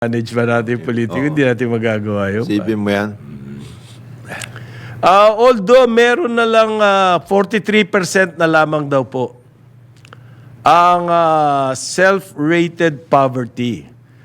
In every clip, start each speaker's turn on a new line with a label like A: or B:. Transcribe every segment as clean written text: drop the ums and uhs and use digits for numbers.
A: manage ba natin politiko, hindi natin magagawa yun.
B: Sipin mo yan.
A: Although meron na lang 43% na lamang daw po ang self-rated poverty.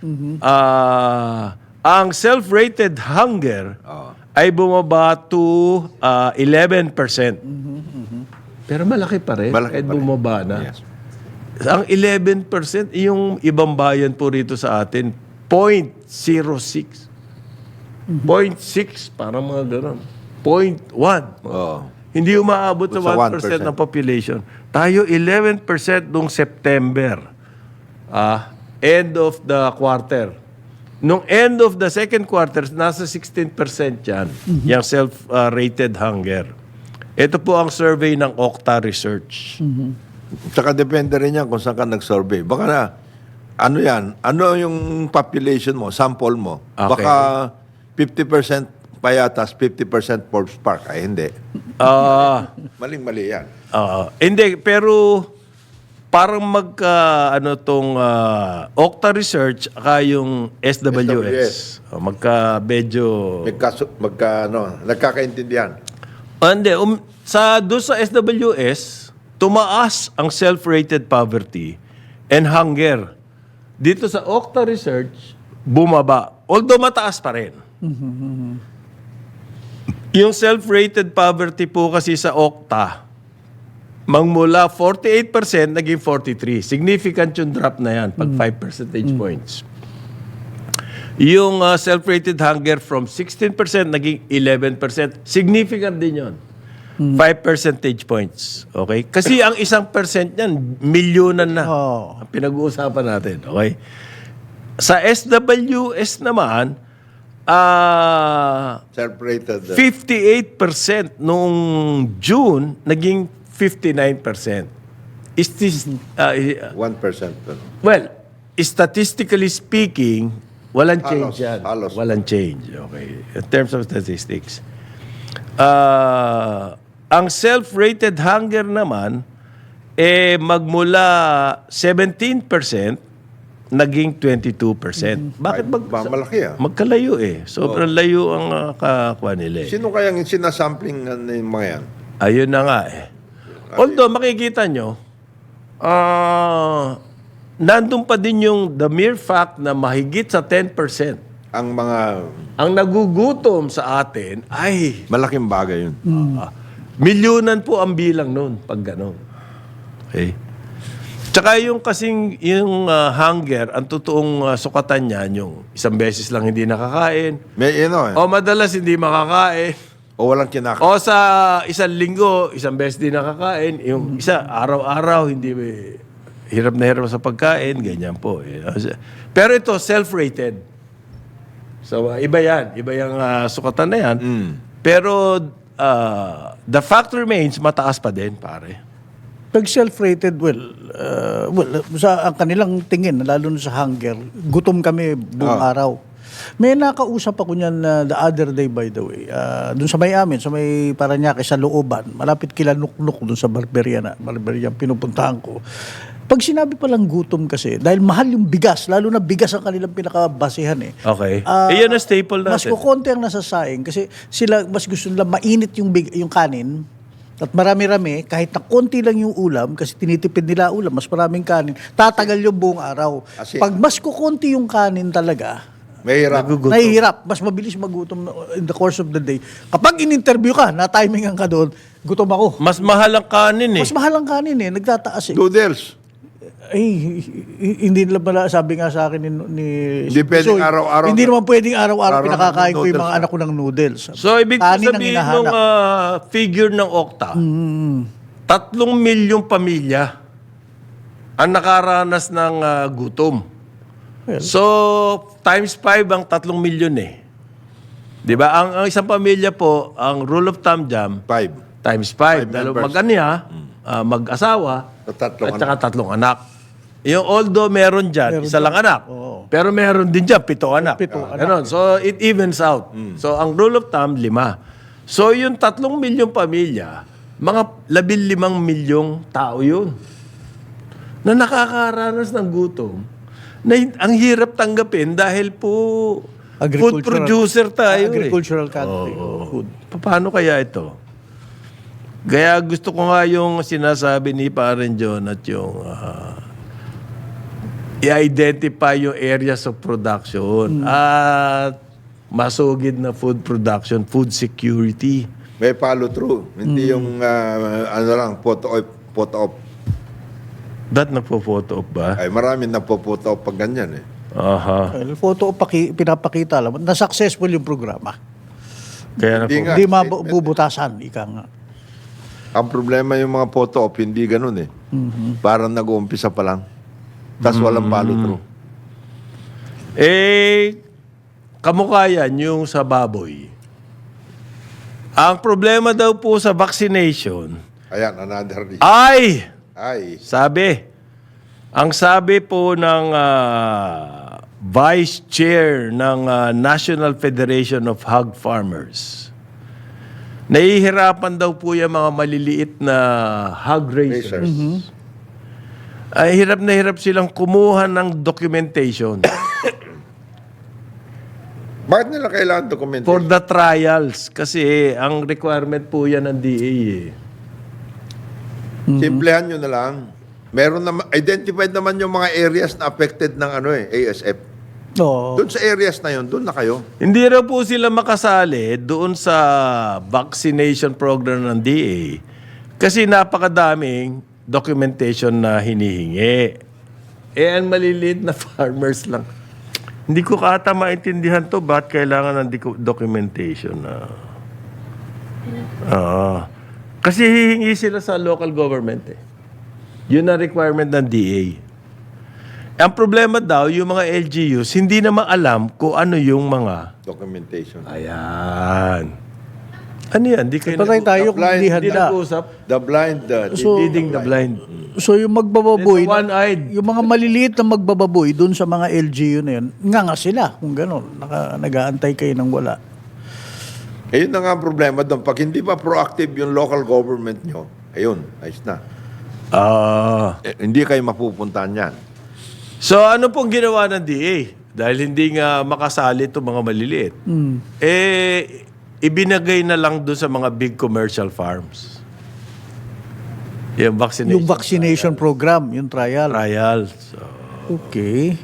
A: Ang self-rated hunger ay bumaba to 11%. Pero malaki pa rin
B: Malaki
A: kahit
B: pa rin.
A: bumaba na.
B: Yes.
A: Ang 11%, yung ibang bayan po rito sa atin, 0.06. 0.6, parang mga gano'n. 0.1.
B: Oo.
A: Hindi umaabot sa
B: Sa
A: 1% ng population. Tayo 11% noong September. End of the quarter. Nung end of the second quarter, nasa 16% yan. Yung self-rated hunger. Ito po ang survey ng Okta Research.
B: Tsaka depende rin yan kung saan ka nag-survey. Baka na, ano yan? Ano yung population mo, sample mo?
A: Okay.
B: Baka 50% Payatas, 50% Forbes Park. Ay, hindi. Maling-mali yan.
A: Hindi, pero parang Okta Research aka yung SWS. Medyo...
B: Nagkakaintindihan.
A: Hindi, doon sa SWS, tumaas ang self-rated poverty and hunger. Dito sa Okta Research, bumaba. Although mataas pa rin. Yung self-rated poverty po kasi sa Okta, magmula 48%, naging 43%. Significant yung drop na yan, pag 5 percentage points. Yung self-rated hunger from 16%, naging 11%. Significant din yun. 5 percentage points. Okay? Kasi ang 1% yan, milyonan na. Ang pinag-uusapan natin. Okay? Sa SWS naman,
B: Self-rated.
A: 58% noong June, naging 59%. Is this,
B: 1%.
A: well, statistically speaking, walang change yan.
B: Halos.
A: Walang change. Okay. In terms of statistics. Ang self-rated hunger naman, magmula 17%, naging 22%. Bakit
B: Malaki
A: magkalayo eh. Sobrang layo ang kakuha nila eh.
B: Sino kayang sinasampling ng mga yan?
A: Ayun na nga eh. Although makikita nyo, nandun pa din yung the mere fact na mahigit sa 10% ang nagugutom sa atin ay
B: Malaking bagay yun.
A: milyonan po ang bilang noon pag gano'n. Okay? Tsaka yung kasing yung hunger, ang totoong sukatan niyan, yung isang beses lang hindi nakakain,
B: May
A: o madalas hindi makakain,
B: O walang kinakain.
A: o sa isang linggo, isang beses din nakakain, yung isa araw-araw hindi hirap na hirap sa pagkain, ganyan po. Pero ito, self-rated. So, iba yan. Iba yung sukatan na yan. Pero, the fact remains, mataas pa din, pare.
C: Pag self-rated, sa ang kanilang tingin, lalo na sa hunger, gutom kami buong araw. May nakausap ako niyan the other day, by the way. Doon sa may amin, sa may Parañaque, sa Looban, malapit kila Nuknuk, doon sa Barberia pinupuntahan ko. Pag sinabi palang gutom kasi, dahil mahal yung bigas, lalo na bigas ang kanilang pinakabasihan eh.
A: Okay. Iyan ang staple natin.
C: Mas kukonti ang nasasaing kasi sila mas gusto nila mainit yung kanin at marami-rami, kahit na konti lang yung ulam, kasi tinitipid nila ulam, mas maraming kanin, tatagal yung buong araw.
B: Kasi,
C: pag mas kukonti yung kanin talaga,
B: Mahirap.
C: nahihirap, mas mabilis magutom in the course of the day. Kapag in-interview ka, na-timingan ka doon, gutom ako.
A: Mas mahal ang kanin eh.
C: Mas mahal ang kanin eh, nagtataas eh.
B: Noodles.
C: Ay, hindi nila pala, sabi nga sa akin ni
B: Hindi pwedeng araw-araw.
C: Hindi naman pwedeng araw-araw
B: Araw-araw
C: pinakakain ko yung
B: noodles
C: mga anak ko ng noodles.
A: So, ibig
C: Kanin ang
A: sabihin
C: hinahanap.
A: nung figure ng Okta, 3 milyong pamilya ang nakaranas ng gutom.
C: Well,
A: So, times 5 ang 3 milyon eh. Di ba? Ang isang pamilya po, ang rule of thumb dyan,
B: 5.
A: times 5. Dahil
B: members.
A: mag-asawa,
B: Tatlong
A: at saka 3 anak. Yung although meron dyan, isa lang anak.
C: Oo.
A: Pero meron din dyan, 7 anak.
C: 7 anak.
A: Ganon. So, it evens out. So, ang rule of thumb, 5. So, yung 3 milyong pamilya, mga 15 milyong tao yun na nakakaranas ng gutom ang hirap tanggapin dahil po food producer tayo.
C: Agricultural country. Food.
A: Paano kaya ito? Kaya gusto ko nga yung sinasabi ni Paren John at yung i-identify yung areas of production at masugid na food production, food security.
B: May follow through. Hindi yung ano lang, photo op.
A: Ba't nagpo-photo op ba?
B: Ay, marami nagpo-photo op pag ganyan eh.
A: Aha.
C: Well, photo pinapakita lang na successful yung programa.
A: Kaya
B: Hindi nga.
C: Hindi mabubutasan, ika nga.
B: Ang problema yung mga photo op, hindi ganun eh. Parang nag-uumpisa pa lang. Tapos walang follow through.
A: Kamukha yan yung sa baboy. Ang problema daw po sa vaccination
B: Ayan, another reason.
A: ay, ang sabi po ng Vice Chair ng National Federation of Hog Farmers, nahihirapan daw po yung mga maliliit na hog raisers. Ay, hirap na hirap silang kumuha ng documentation
B: Bakit nila kailangan documentation?
A: for the trials. Kasi ang requirement po yan ng DA eh.
B: Simplehan nyo na lang. Meron na, identified naman yung mga areas na affected ng ASF.
C: Oo.
B: Doon sa areas na yun, doon na kayo.
A: Hindi raw po sila makasali doon sa vaccination program ng DA kasi napakadaming documentation na hinihingi. Ang maliliit na farmers lang. Hindi ko kata maintindihan to, ba't kailangan ng documentation na... Kasi hihingi sila sa local government eh. Yun ang requirement ng DA. Ang problema daw, yung mga LGUs, hindi naman alam kung ano yung mga...
B: Documentation.
A: Ayan. Ano yan? Di kayo
C: Patay tayo kung hindi
A: hindi
C: handa.
A: nag-usap.
B: The blind,
A: Leading the blind.
C: So yung magbababoy,
A: It's one-eyed.
C: yung mga maliliit na magbababoy doon sa mga LGU na yun, nga sila kung gano'n. Nag-aantay kayo ng wala.
B: Ayun na nga ang problema doon. Pag hindi pa proactive yung local government nyo, ayun, ayos na. Hindi kayo mapupuntahan yan.
A: So ano pong ginawa ng DA? Dahil hindi nga makasali itong mga maliliit. Ibinagay na lang doon sa mga big commercial farms. Yung vaccination.
C: Yung vaccination program, yung trial.
A: Trials. So,
C: Okay.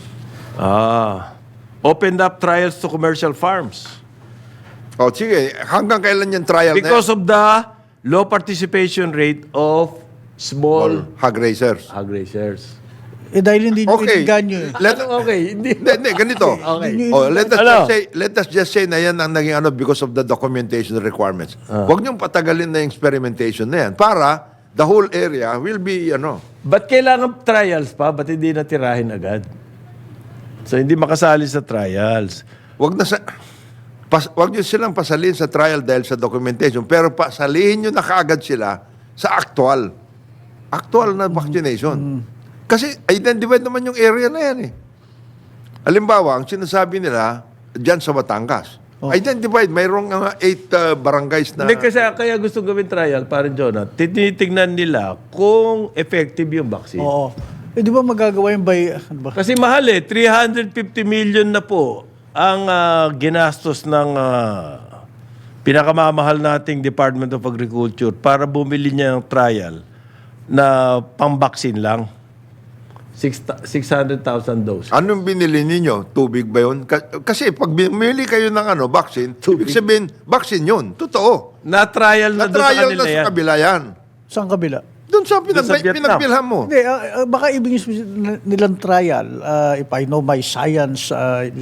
A: opened up trials to commercial farms.
B: O sige, hanggang kailan yung trial
A: Because of the low participation rate of small
B: hog raisers.
A: hog raisers.
C: Dahil hindi nyo
B: Okay.
C: iniganyo eh.
A: Okay, hindi.
B: Hindi, ganito.
A: Okay.
B: Let us just say na yan ang naging because of the documentation requirements. Huwag niyong patagalin na yung experimentation na yan para the whole area will be,
A: Ba't kailangan trials pa? Ba't hindi natirahin agad? So, hindi makasali sa trials.
B: Huwag niyo silang pasalin sa trial dahil sa documentation, pero pasalihin niyo na kaagad sila sa actual na vaccination. Kasi identified naman yung area na yan eh. Halimbawa, ang sinasabi nila dyan sa Batangas, identified, mayroong 8 barangays na...
A: Hindi kasi kaya gusto gawin trial, parang Jonah, tinitignan nila kung effective yung vaccine.
C: Oo. Di ba magagawa yung ano ba?
A: Kasi mahal eh, 350 million na po ang ginastos ng pinakamamahal nating Department of Agriculture para bumili niya ng trial na pang-vaccine lang. 600,000 doses.
B: Anong binili ninyo? Tubig ba yun? Kasi pag bumili kayo ng vaccine, ibig sabihin, vaccine yun. Totoo.
A: Na-trial na doon sa
B: Na-trial
A: kanila
B: na sa
A: yan.
B: kabila yan.
C: Saan kabila?
B: Doon sa
A: Vietnam.
B: pinagbilhan mo.
C: Hindi, baka ibig nilang trial, if I know my science,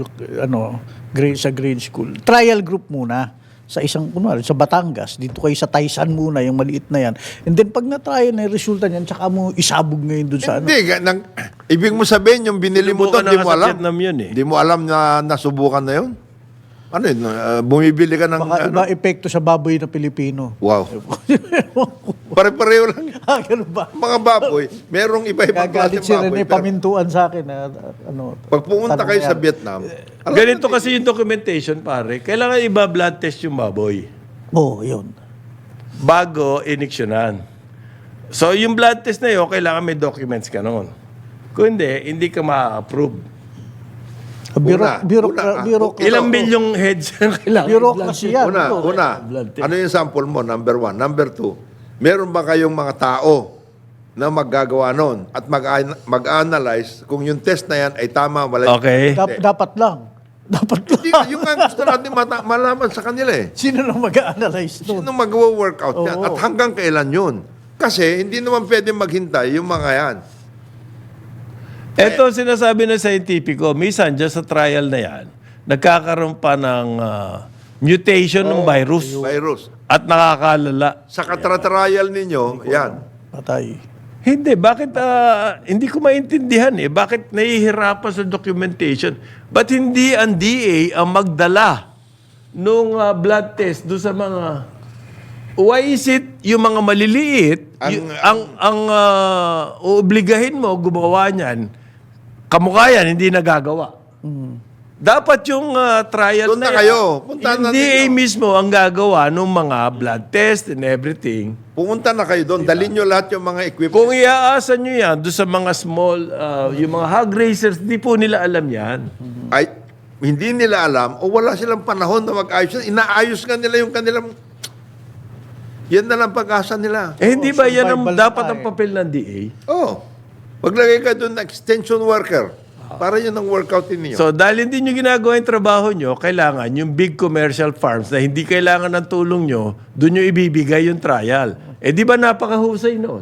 C: sa grade school, trial group muna sa isang, kunwari, sa Batangas, dito kayo sa Taysan muna, yung maliit na yan. And then pag na-trial na yung resulta niyan, tsaka mo isabog ngayon doon sa
B: Hindi, ibig mo sabihin, yung binili mo doon,
A: Sinubukan
B: di
A: na
B: mo
A: nga sa
B: alam.
A: Vietnam yun eh.
B: Di mo alam na nasubukan na yun? Ano yun? Bumibili ka ng...
C: Baka iba epekto sa baboy na Pilipino.
B: Wow. Pare-pareho lang.
C: Ganun ba?
B: Mga baboy, merong iba-ibang
C: Gagalit
B: klaseng
C: si
B: baboy.
C: Rene, pamintuan sa akin.
B: Pag pumunta kayo sa Vietnam,
A: Ganito kasi yung documentation, pare. Kailangan iba blood test yung baboy
C: Oo, yun.
A: bago iniksyonan. So, yung blood test na yun, kailangan may documents ka noon. Kung hindi ka ma-approve. Ilang milyong heads ang kailangan?
C: Bureaucracy yan.
B: Una, ano yung sample mo? Number 1. Number 2, meron ba kayong mga tao na maggagawa nun at mag-analyze kung yung test na yan ay tama, wala.
A: Okay.
C: Dapat lang. Dapat lang.
B: Hindi, yung nga gusto natin malaman sa kanila eh.
C: Sino na mag-analyze nun?
B: Sino mag-workout yan?
C: Oo.
B: At hanggang kailan yun? Kasi hindi naman pwede maghintay yung mga yan.
A: Ito sinasabi ng scientifico, minsan dyan sa trial na yan, nagkakaroon pa ng mutation ng virus
B: Virus.
A: at nakakalala.
B: Sa katratrial ninyo, yan.
C: Patay.
A: Hindi, bakit hindi ko maintindihan bakit nahihirapan sa documentation? Ba't hindi ang DA ang magdala nung blood test do sa mga... Why is it yung mga maliliit, ang uobligahin mo gumawa niyan, kamukha yan, hindi nagagawa. Dapat yung trial
B: Doon na kayo. Puntahan
A: yung
B: natin
A: DA
B: yun.
A: mismo ang gagawa ng mga blood test and everything.
B: Pumunta na kayo doon. Dalhin nyo lahat yung mga equipment.
A: Kung iaasa nyo yan doon sa mga small, yung mga hog racers, di po nila alam yan.
B: Ay, hindi nila alam o wala silang panahon na mag-ayos. Inaayos nga nila yung kanilang... Yan na lang pag-asa nila.
A: Hindi ba yan ang
C: survival
A: dapat
C: na
A: ang papel ng DA?
B: Oh, maglagay ka doon na extension worker. Para yun ang workout ninyo.
A: So, dahil hindi nyo ginagawa yung trabaho nyo, kailangan yung big commercial farms na hindi kailangan ng tulong nyo, doon nyo ibibigay yung trial. Di ba napakahusay noon?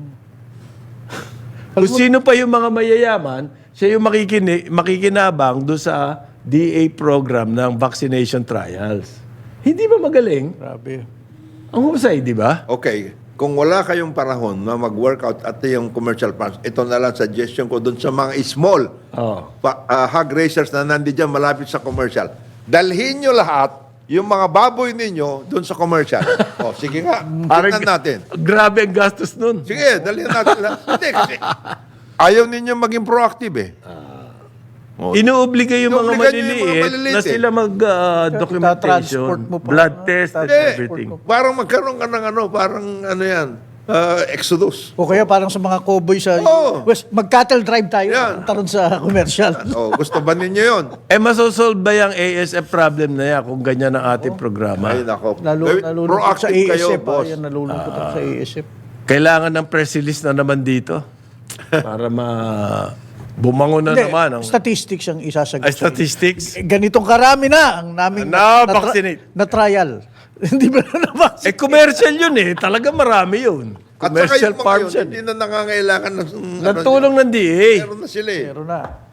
A: Kung sino pa yung mga mayayaman, siya yung makikinabang doon sa DA program ng vaccination trials. Hindi ba magaling?
C: Grabe.
A: Ang husay, di ba?
B: Okay, kung wala kayong panahon na mag-workout at yung commercial farms, ito na lang suggestion ko doon sa mga small
A: Oh.
B: hog racers na nandiyan malapit sa commercial. Dalhin nyo lahat yung mga baboy ninyo doon sa commercial. O, sige nga, tingnan natin.
A: Grabe ang gastos nun.
B: Sige, dalhin natin lahat. Hindi, kasi ayaw ninyo maging proactive eh.
A: Inuobliga yung mga
B: Inuobliga nyo yung mga
A: maliliit
B: maliliit
A: na sila mag-documentation,
C: Ita-transport mo pa.
A: blood test, and
B: Hindi.
A: everything.
B: Parang magkaroon ka ng parang yan, exodus.
C: O kaya parang sa mga cowboy sa
B: Oo.
C: West, mag-cattle drive tayo.
B: Yan.
C: Taron sa commercial.
B: O, gusto ba ninyo yun?
A: Masosolve ba yung ASF problem na yan kung ganyan ang ating programa?
B: Ay, nako.
C: Nalulungkot sa
B: Proactive kayo,
C: ASF.
B: boss.
C: Yan, nalulungkot ako sa ASF.
A: Kailangan ng press release na naman dito para bumangon na
C: Hindi,
A: naman.
C: statistics ang isasagot.
A: Ay, statistics?
C: Ganitong karami na ang naming
A: Na-vaccinate.
C: na trial. Hindi ba na na-vaccinate?
A: Commercial yun Talaga marami yun.
B: At saka
A: Commercial
B: yung mga
A: farms
B: yun,
A: yan.
B: hindi na nangangailangan ng
A: Nagtulong ng DA.
B: Meron na sila eh.
C: Meron na.